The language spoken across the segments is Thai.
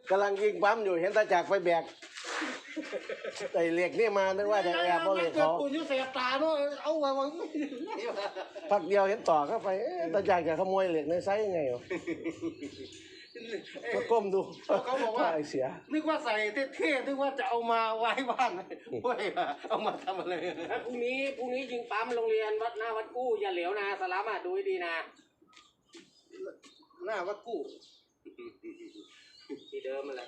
กำลังยิงปั๊มอยู่เห็นตาจักรไปแบกไอ้เหล็กนี่มานึกว่าจะแอบเอาเหล็กเขาเอาไว้วางพักเดียวเห็นต่อเข้าไปตาจักรจะขโมยเหล็กในไซส์ยังไงวะก็ก้มดูเขาบอกว่าเสียนึกว่าใส่เท่ๆนึกว่าจะเอามาไว้บ้านเว้ยเอามาทำอะไรพรุ่งนี้ยิงปั๊มโรงเรียนวัดหน้าวัดกู้อย่าเหลวนะสลับอ่ะดูให้ดีนะหน้าวัดกู้ที่เดิมมันแหละ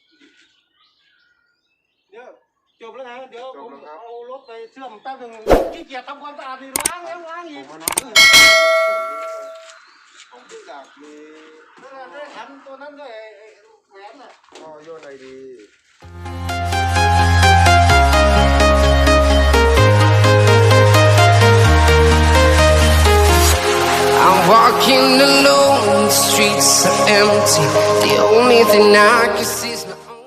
เดี๋ยวจบแล้วนะเดี๋ยวผมเอารถไปเชื่อมแป๊บนึงขี้เกียจทำความสะอาดนี่ล้างแล้วล้างอีกผมอยากมีได้ทำตัวนั้นด้วยแหวนน่ะก็โยนไอดี I'm walking alone, the streets are empty. The only thing I can see is my own.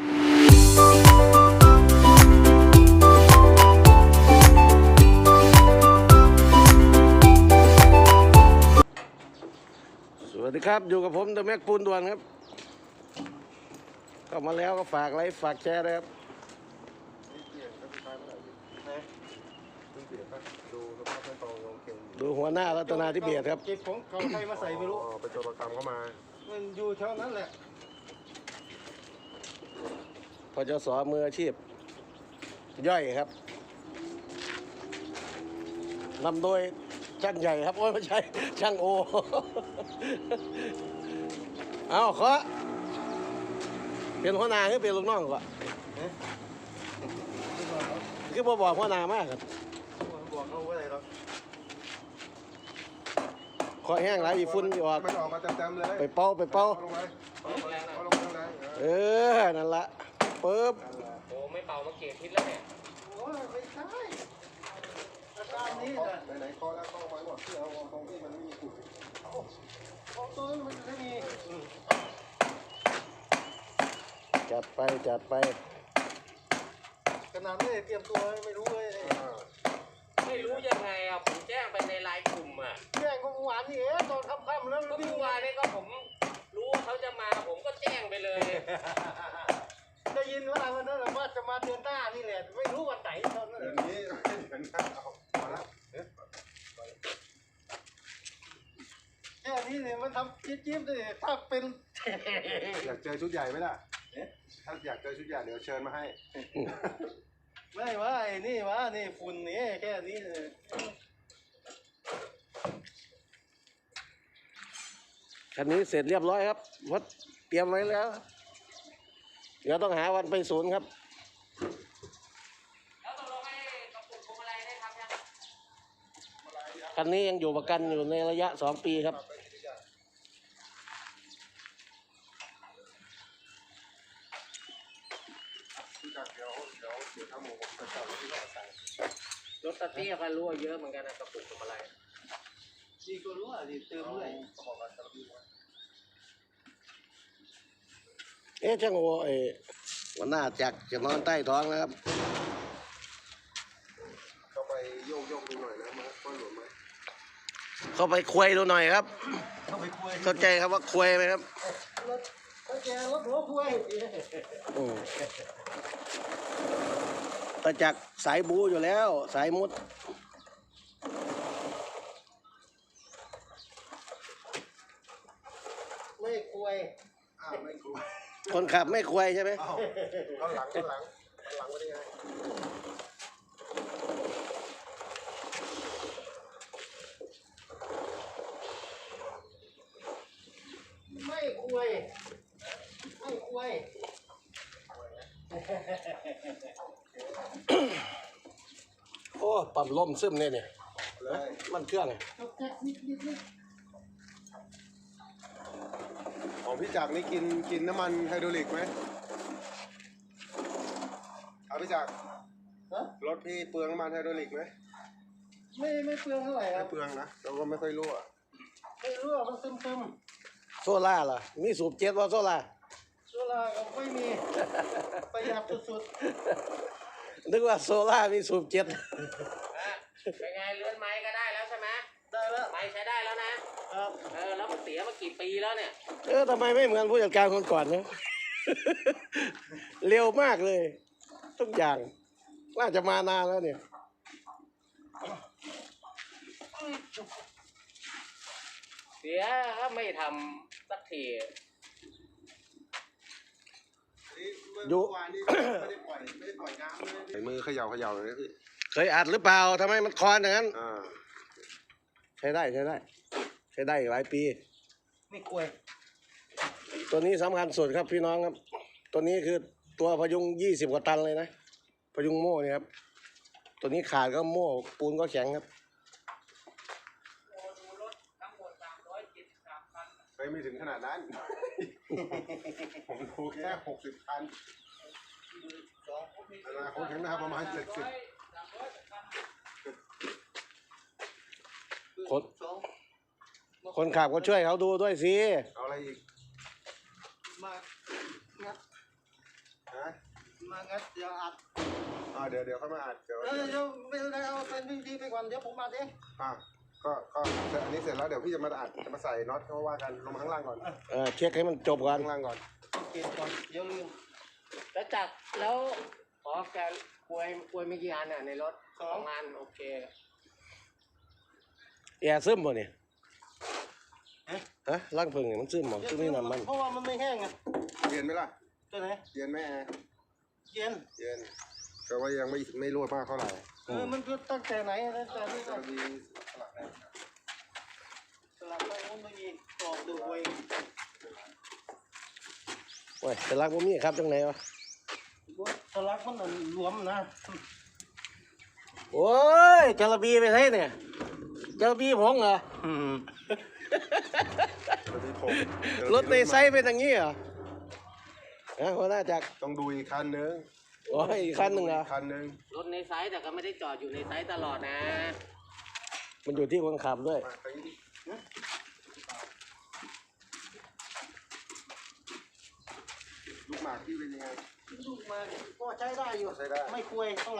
สวัสดีครับอยู่กับผมเดอะแม็กปูนด่วนครับเข้ามาแล้วก็ฝากไลค์ฝากแชร์เลยครับดูหัวหน้ารัตนาธิเบศครับเก็บของเขาใครมาใส่ไม่รู้ไปโจรกรรมเข้ามามันอยู่เท่านั้นแหละพจส.มืออาชีพย่อยครับนำโดยช่างใหญ่ครับโอ้ยไม่ใช่ช่างโอเอาขอเป็นหัวหน้าคือเป็นลูกน้องก่อนคือบ่บอกหัวหน้ามากครับบอกเขาว่าอะไรหรอขอแห้งหลายอีฝุ่นออกมันออกมาเต็มๆเลยไปเป่าลงนั่นละปึ๊บโอ้ไม่เป่ามาเกตทิศแล้วเนี่ยโอ้ยไม่ใช่อาการนี้ไหนคอแล้วเข้าไว้หมดเพื่อเอาตรงที่มันไม่มีกุดเอาตัวนั้นมันไม่มีจัดไปขนาดไม่เตรียมตัวไม่รู้เลยไม่รู้ยังไงอ่ะผมแจ้งไปในไลน์กลุ่มอ่ะแจ้งก็เมื่อวานนี่ตอนค่ำๆแล้วเมื่อวานนี้ก็ผมรู้ว่าเขาจะมาผมก็แจ้งไปเลยได้ยินว่าวันนั้นว่าจะมาเดือนหน้านี่แหละไม่รู้วันไหนตอนนั้นเดือนนี้เดือนหน้าเอาละแค่นี้เนี่ยมันทำจิ๊บๆเลยถ้าเป็นอยากเจอชุดใหญ่ไหมล่ะถ้าอยากเจอชุดใหญ่เดี๋ยวเชิญมาให้ไม่ว่าไอ้นี่วะนี่ฝุ่นนี่แค่นี้เลยคันนี้เสร็จเรียบร้อยครับวัดเตรียมไว้แล้วเดี๋ยวต้องหาวันไปศูนย์ครับแล้วตกลงให้กระปุกพวงมาลัยได้ทำยังคันนี้ยังอยู่ประกันอยู่ในระยะ2 ปีครับรถตะเตี้ยก็รั่วเยอะเหมือนกันนะกระปุกพวงมาลัยนี่ก็รู้อ่ะนี่เติมด้วยช่างโอวันหน้าจักจะนอนใต้ท้องแล้วครับเข้าไปโยกดูหน่อยนะมาก้อนหลวมไหมเข้าไปคุยดูหน่อยครับเข้าใจครับว่าคุยไหมครับรถหัวคุยตาจักสายบูอยู่แล้วสายมุดไม่คุยไม่คุยคนขับไม่คุยใช่ไหมข้างหลังไว้ได้ไงไม่คุยโอ้ปั๊มลมซึมเนี่ยมันเครื่องไงของพี่จักรนี่กินน้ำมันไฮดรอลิกไหมเอาพี่จักรรถพี่เปลืองน้ำมันไฮดรอลิกไหมไม่เปลืองเท่าไหร่ครับไม่เปลืองนะเราก็ไม่ค่อยรั่วมันซึมโซล่าล่ะมีสูบเจ็ดว่าโซล่าก็ไม่มีประหยัดสุดๆนึกว่าโซล่ามีสูบเจ็ดเป็นไงเลื่อนไม้ก็ได้แล้วใช่ไหมได้แล้วไม้ใช้ได้แล้วนะครับแล้วมันเสียมากี่ปีแล้วเนี่ยทำไมไม่เหมือนผู้จัดการคนก่อนเนี่ยเร็วมากเลย ทุกอย่างน่าจะมานานแล้วเนี่ยเสียก็ไม่ทำสักทีดูวานนี้ไม่ได้ปล่อยน้ำเลยใส่มือเขย่าเลยนะพี่เคยอัดหรือเปล่าทำไมมันคอนอย่างนั้นอ่าใช้ได้ใช้ได้ใช้ได้อีกหลายปีไม่กลัวตัวนี้สำคัญสุดครับพี่น้องครับ ตัวนี้คือตัวพยุง20 กว่าตันเลยนะ พยุงโม่เนี่ยครับ ตัวนี้ขาดก็โม่ปูนก็แข็งครับไม่ถึงขนาดนั้น ผมดูแค่60 คันอนาคตข้างหน้าประมาณ70 คนขับก็ช่วยเขาดูด้วยสิเอาอะไรอีกมางัดฮะมางัดเดี๋ยวอัดเดี๋ยวเข้ามาอัดเดี๋ยวเดี๋ยวไม่เป็นไรเอาเป็นดีไปก่อนเดี๋ยวผมอัดเองก็อันนี้เสร็จแล้วเดี๋ยวพี่จะมาอัดจะมาใส่น็อตเขาว่ากันลงมาข้างล่างก่อนเช็คให้มันจบก่อนข้างล่างก่อนเก็บก่อนเดี๋ยวลืมแล้วจักรแล้วอ๋อแกกล้วยไม่กี่อันอ่ะในรถ2 อันโอเคแอร์ซึมบ่เนี่ยฮะล่างพึ่งเนี่ยมันซึมบ่ซึมนี่น้ำมันเพราะว่ามันไม่แห้งไงเย็นไหมล่ะตัวไหนเย็นไหมแอร์เย็นเย็นแต่ว่ายังไม่รั่วมากเท่าไหร่มันก็ตั้งแต่ไหนตั้งแต่นี่ก็จะมีสลักแอร์สลับไปมันไม่มีตอกดูไว้โอ้ยแต่ลักบ่มีครับจังไหนวะสลักมันรวมนะโอ้ยจระบีไปใช่เนี่ยจระบีผงเหรอจะมีผมรถในไซส์เป็นอย่างนี้เหรอหัวหน้าจักรต้องดูอีกคันนึงโอ้ยอีกคันหนึ่งเหรอคันนึงรถในไซส์แต่ก็ไม่ได้จอดอยู่ในไซส์ตลอดนะมันอยู่ที่คนขับด้วยมาไปดิลูกหมากที่เป็นยังไงลูกมาก็ใช้ได้อยู่ใช้ได้ไม่คุยเท่าไหร่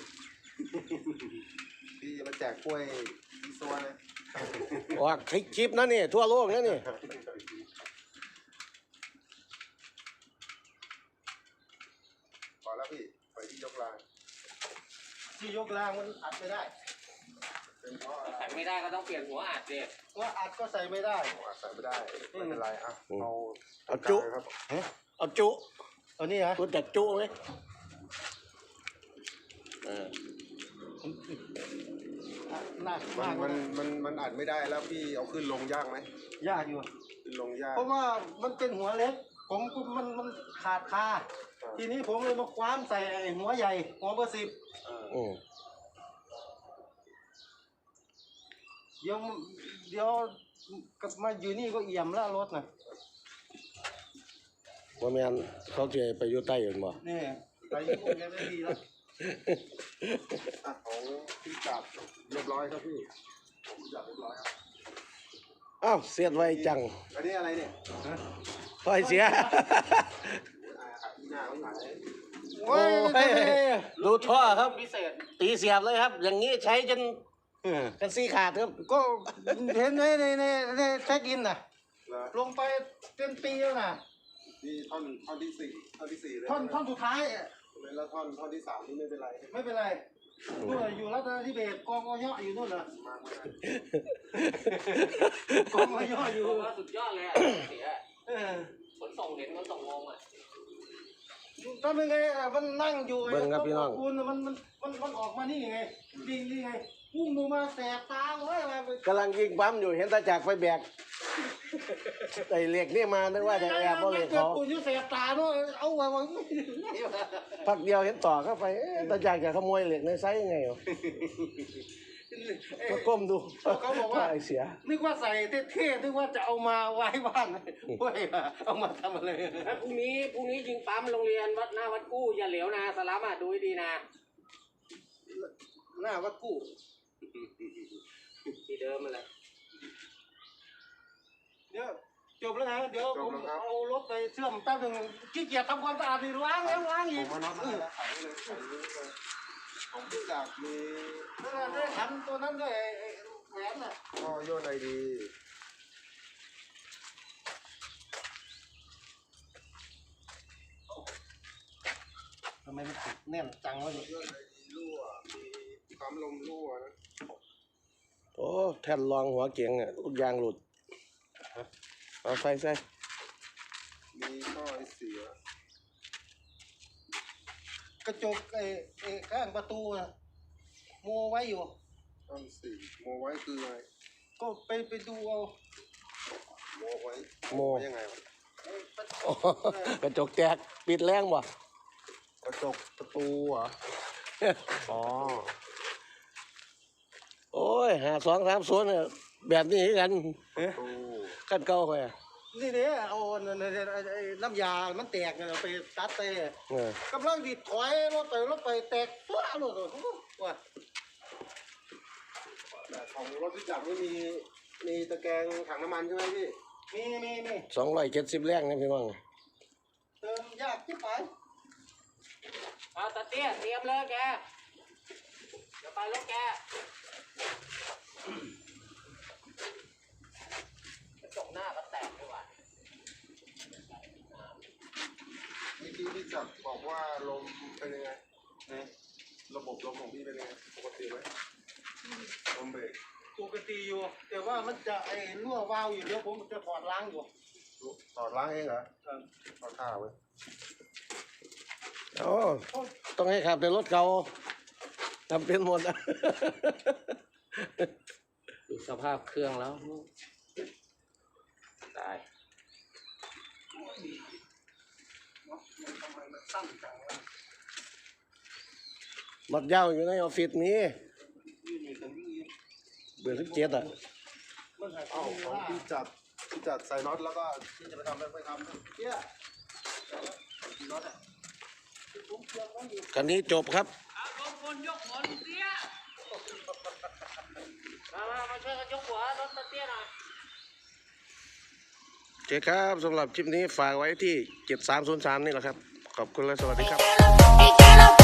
พี่จะมาแจกกล้วยอีซัวนะว่าคลิปนะนี่ทั่วโลกนะนี่พอแล้วพี่ไปที่ยกรางที่ยกรางมันอัดไม่ได้เป็นเพราะอะไรใส่ไม่ได้ก็ต้องเปลี่ยนหัวอัดเด็กว่าอัดก็ใส่ไม่ได้ใส่ไม่ได้ไม่เป็นไรอ่ะเอาจุครับเอาจุตัวนี้ฮะรู้จักจุไหมหนักมัมาน กมันอัดไม่ได้แล้วพี่เอาขึ้นลงยากไหมยากอยู่ขึ้นลงยากเพราะว่ามันเป็นหัวเล็ก ผมก็มันขาดคาทีนี้ผมเลยมาคว้านใส่ไอ้หัวใหญ่ หัวเบอร์10เดี๋ยวกลับมาอยู่นี่ก็เอี่ยมแล้วรถน่ะว่าแมนเขาจะไปอยู่ใต้อยู่บ่นี่ไปญี่ปุ่นยังไม่ดีแล้วของพี่จับเรียบร้อยครับพี่ผมจับเรียบร้อยครับอ้าวเสียดไว้จังอันนี้อะไรเนี่ยปล่อยเสียหน้าเขาหายโอ้ยดูท่อครับพิเศษตีเสียบเลยครับ อย่างนี้ใช้จนกันซี่ขาดครับก็เห็นในเช็คอินน่ะแล้วลงไปเป็นปีแล้วน่ะนี่ท่อนที่สี่เลยท่อนสุดท้ายแล้วท่อนที่สามนี่ไม่เป็นไรไม่เป็นไรนู่นน่ะอยู่รัตนทิเบศกองอ้อยอยู่นู่นน่ะมากเลยกองอ้อยอยู่ผมว่าสุดยอดเลยอ่ะเสียเออขนส่งเห็นขนส่งงงอ่ะทำยังไงอ่ะมันนั่งอยู่เบิ่งครับพี่น้องคุณมันออกมานี่ไงดิงนี่ไงพุ่งลงมาแสบตาเว้ยมากำลังยิงปั๊มอยู่เห็นตาจักรไปแบกไอ้เหล็กนี่มานึกว่าจะแอบเอาเหล็กเกิดเขาปุ่นอยู่แสบตาเนาะเอาไว้วางพักเดียวเห็นต่อเข้าไปตาจักรจะขโมยเหล็กในไซส์ยังไงวะก็ก้มดูเขาบอกว่าไอ้เสียนึกว่าใส่เท่ๆนึกว่าจะเอามาไว้บ้านเว้ยเอามาทำอะไรพรุ่งนี้ยิงปั๊มโรงเรียนวัดหน้าวัดกู้อย่าเหลวนะสลัมอ่ะดูให้ดีนะหน้าวัดกู้ที่เดิมมันแหละเดี๋ยวจบแล้วนะเดี๋ยวผมเอารถไปเชื่อมแป๊บนึงขี้เกียจทำความสะอาดนี่ล้างแล้วล้างผอีมกมาน็อตมาแล้วขายเลยขายเลยของพี่จับมีนั่นน่ะได้ขันตัวนั้นด้วยไอ้แหวนน่ะก็โยนไอดีไมมันติดแน่นจังวะเนี่ยรั่วมีปั๊มลมรั่วนะโอ้แท่นรองหัวเกียงอ่ะลูกยางหลุดเอาใส่มีท่อไอเสียกระจกไอ้ข้างประตูน่ะโมไว้อยู่ต้นสีโมไว้คืออะไรก็ไปดูเอาโมไว้โมไว้ยังไงวะโอ้กระจกแตกปิดแรงบ่กระจกประตูเหรออ๋อโอ้ย5230เนี่ยแบบนี้คือกันประตูขั้นเก่าค่อยอะนี่เนี่ยเอาไอ้น้ำยา มันแตกเนี่ยเราไปตัดไปเออกำลังดิดถอยรถไปแตกฟ้าเลยว่าแต่ของรถที่จับไม่มีตะแกรงถังน้ำมันใช่ไหมพี่มี 270แรงนะพี่น้องเติมยากที่ไปเอาตะเตี้ยเตรียมเลยแกเดี๋ยวไปรถแกกระจกหน้าก็แตกด้วยว่ะเมื่อกี้พี่จับบอกว่าลมเป็นยังไงนะระบบลมของพี่เป็นยังไงปกติไหมลมเบรกปกติอยู่ แต่ว่ามันจะไอ้รั่ววาล์วอยู่เดี๋ยวผมจะถอดล้างอยู่ถอดล้างเองเหรอถอดข้าวไว้โอ้ต้องให้ขับในรถเก่าทำเป็นหมดอะดูสภาพเครื่องแล้วตายรถยาวอยู่ในออฟฟิศมีเบอร์17อ่ะมันหายเอ้าของพี่จัดใส่น็อตแล้วก็พี่จะไปทำเนี่ยน็อตอ่ะผมเตรียมไว้อยู่คันนี้จบครับเอาลงคนยกหัวลุงเตี้ยมาช่วยกันยกหัวรถตะเตี้ยหน่อยโอเคครับสำหรับคลิปนี้ฝากไว้ที่ 7303 นี่แหละครับ ขอบคุณและสวัสดีครับ It cannot